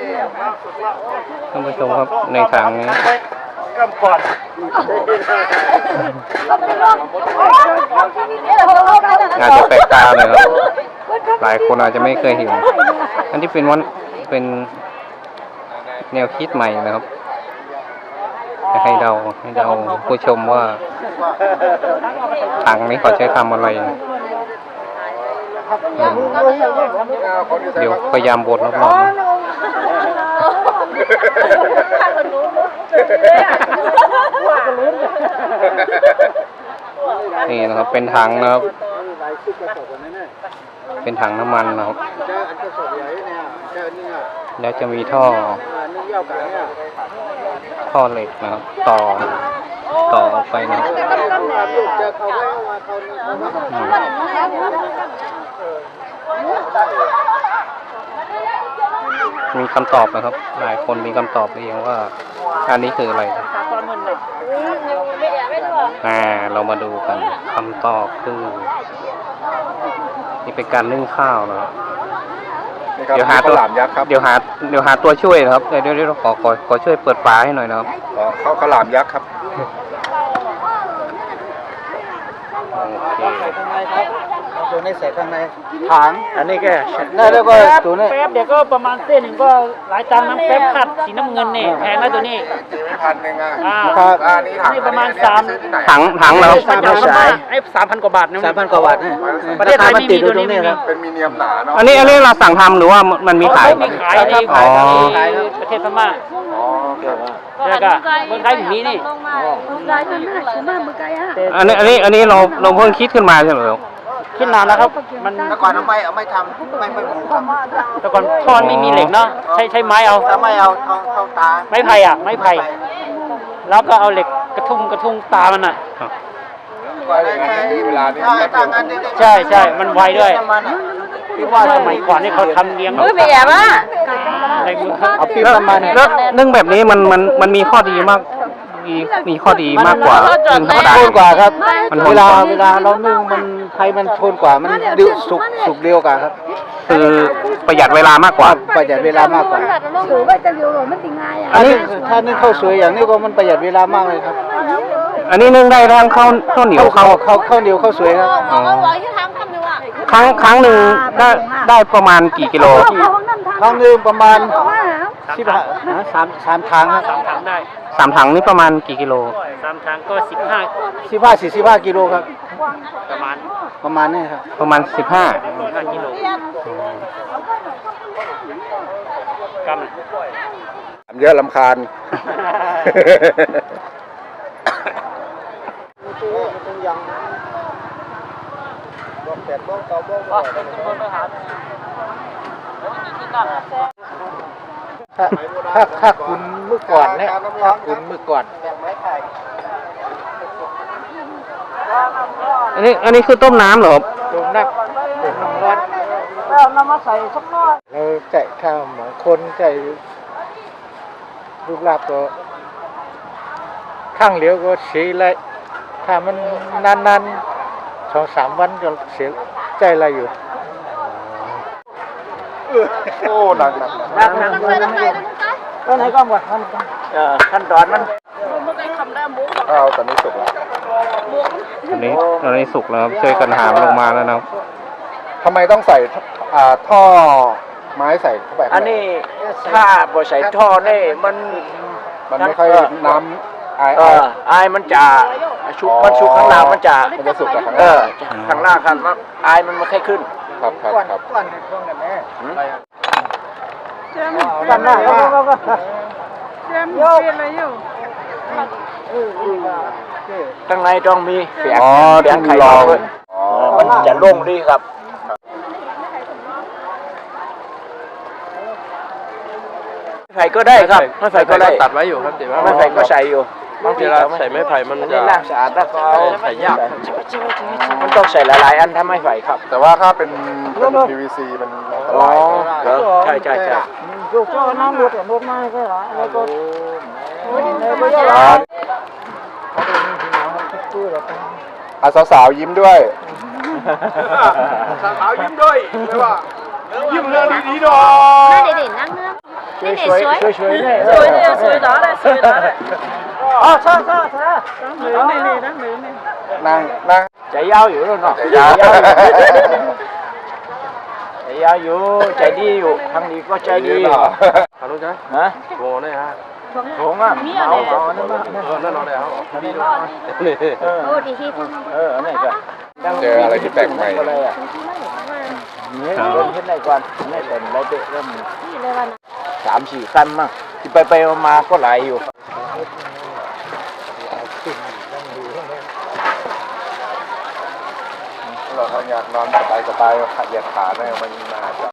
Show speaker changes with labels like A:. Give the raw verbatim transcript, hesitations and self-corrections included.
A: ท่านผู้ชมครับในถังนี้อาจจะแปลกตาเลยครับหลายคนอาจจะไม่เคยเห็นอันที่เป็นวันเป็นแนวคิดใหม่นะครับจะให้เดาให้เดาผู้ชมว่าถังนี้เขาใช้ทำอะไรเดี๋ยวพยายามบดรอบๆนี่นะครับเป็นถังนะครับเป็นถังน้ำมันนะครับแล้วจะมีท่อท่อเหล็กนะครับต่อต่อออกไปนะครับมีคำตอบนะครับหลายคนมีคำตอบเองว่าอันนี้คืออะไรอ่าเรามาดูกันคำตอบคือนี่เป็นการนึ่งข้าวนะครับเดี๋ยวหาตัวเดี๋ยวหาเดี๋ยวหาตัวช่วยนะครับเดี๋ยวเดี๋ยวขอขอขอช่วยเปิดฝาให้หน่อยนะครับ
B: ข้าวขลามยักษ์ครับ
C: ตัวนี้ใส่ข้างในถังอันนี้แกได้แล้วก็ตัวนี้
D: แป๊บเดี๋ยวก็ประมาณเส้นหนึ่งก็หลายตังค์น้ำแป๊บขัดสีน้ำเงินนี่แพงนะตัวนี้
B: พันหนึ่งอ่ะ
D: ครับอันนี้ถังประมาณสาม
A: ถังถังแล้ว
D: สามพันกว่าบาทไอ้สามพันกว่าบาทนะ
C: สามพันกว่าบาทเนี่ย
D: ประเทศไทยไม่มีตัวนี้ครับ
B: เป็นมีเนียมหนาเนาะ
A: อันนี้อันนี้เราสั่งทำหรือว่ามันมีขาย
D: มีขายในประเทศพม่าแล้วก็คนไทยถึงนี้นี่
A: อันนี้อันนี้อันนี้เราเราเพิ่งคิดขึ้นมาใช่ไหมครับ
D: คิดนานแล้วครับมัน
C: แต่ก่อนเอาไม่เอาไม่ทำไม่ไม่หมูครับ
D: แต่ก่อนท่อนไม่มีเหล็กเนาะใช้ใช้ไม้เอา
C: ถ้าไม่เอาเอาเอาตา
D: ไม้ไผ่อ่ะไม้ไผ่แล้วก็เอาเหล็กกระทุ้งกระทุ้งตามันอ่ะ
B: เวลานี้
D: ใช่ใช่มันไวด้วยพี่ว่าสมัยก่อนนี่เขาทำเลี้ยง
E: ไม่แย่ป่ะ
D: ในมือ
A: เอาปีประมาณแล้วนึ่งแบบนี้มันมันมันมีข้อดีมากมีมีข้อดีมากกว่านึ่งธรรมดา
C: ทนกว่าครับเวลาเวลาเรานึ่งมันไฟมันทนกว่ามันดิวสุกสุกเร็วกว่าครับ
A: คือประหยัดเวลามากกว่า
C: ประหยัดเวลามากกว่าอันนี้ถ้านึ่งข้าวสวยอย่างนี้ก็มันประหยัดเวลามากเลยครับ
A: อันนี้นึ่งได้ทั้งข้าวข้าวเหนียวข้าว
C: ข้าวข้าวเหนียวข้าวสวยครับ
A: ครั้งครั้งหนึ่งได้ได้ประมาณกี่กิโล
C: ครั้งหนึ่งประมาณสิบห้าสามสามถังครับ
D: สามถังได้
A: สามถังนี่ประมาณกี่กิโล
D: สามถังก็สิบห้า
C: สิบห้าสี่สิบห้ากิโลครับ
D: ประมาณ
C: ประมาณนี้ครับ
A: ประมาณสิบห้า
D: ห้ากิโลก
B: ำเยอะลำคาญ
C: ถ้าถ้าถ้าคุณเมื่อก่อนเนี่ยถ้าคุณเมื่อก่อน
A: อันนี้อันนี้คือต้มน้ำเหรอครับ
C: ต้มน้ำต้มน้ำร้อน
D: แล้วน้ำมาใส่สักน้อย
C: เราใจข้าวหมอคนใจลูกลาบก็ข้างเหลียวก็เสียเลยถ้ามันนานๆสองสามวันก็เสียใจอะไรอยู่
B: โอ้หนักหนัก
C: หนักหนักก็ไหนก็หมดขั้นขั้นตอนมัน
B: อ้าวตอนนี้สุกแล้ว
A: ตอนนี้ตอนนี้สุกแล้วช่วยกันหามลงมาแล้วนะ
B: ทำไมต้องใส่ท่อไม้ใส่เข้าไป
C: อันนี้ถ้าบ่ใส่ท่อนี่มัน
B: มันไม่ค่อยน้ำไอ
C: ไอไอมันจะชุบมันชุบข้างล่างมันจะ
B: มันจะสุกกับข้าง
C: ล่างข้างล่างครับไอมันไม่ค่อยขึ้น
B: ครับครับครับ
C: ก้อนก้อนกันแม่กันหน้าก็ก็เตรียมเตรียมอะไรอยู่ข้างในต้องมีเสียงเสียงไข่ลองมันจะโล่งดีครับไผ่ก็ได้ครับไม่ไผ่ก็ได้
F: ตัดไว้อยู่ครับแต่ว่า
C: ไม่ไผ่ก็ใส่อยู่
F: บางทีเราใส่ไม้ไผ่มัน
C: จะน่าสะอาดแล้วก็
F: ใส่ยาก
C: มันต้องใส่หลายๆอันถ้าไม่ไผ่ครับ
B: แต่ว่าถ้าเป็น พี วี ซี มันอันตราย
C: ใช่ใช่ใช่ก็น้ำรถกับรถไม้ก็หรอแล้วก็
B: อาสาวๆยิ้มด้วย
F: สาวยิ้มด้วยไม่ว่ายิ้มเรื่องดีๆหน่อย
E: เด็กๆนั่งเนื้อ
C: 水水水水呢？
E: 水呢？水拿来，水拿来。
C: 哦，擦擦擦，
E: 女呢？你呢？女呢？
B: นั่งนั่ง
C: chạy giaoอยู่แล้วเนาะ
B: chạy giao
C: chạy giaoอยู่ใจดีอยู่ทางนี้ก็ใจดี
B: เนาะ
F: Hả luôn chứ?
C: ฮะ
F: Bồ này hả?
C: ผมอ่ะเอาเอาอันนั้นมา
F: Ờ, nó nó đây hả? Đi luôn.
C: เออเอออันนี้ก็
B: เจออะไรที่แปลกใหม่
C: อะไรอ่ะเนี่ยเริ่มขึ้นได้ก่อนไม่เป็นไรเตะเริ่มสามสี่ขั้นมั้งที่ไปไปมาก็หลายอยู่
B: เราถ้าอยากนอนสบายสบายๆเหยียดขาได้มันน่าจะ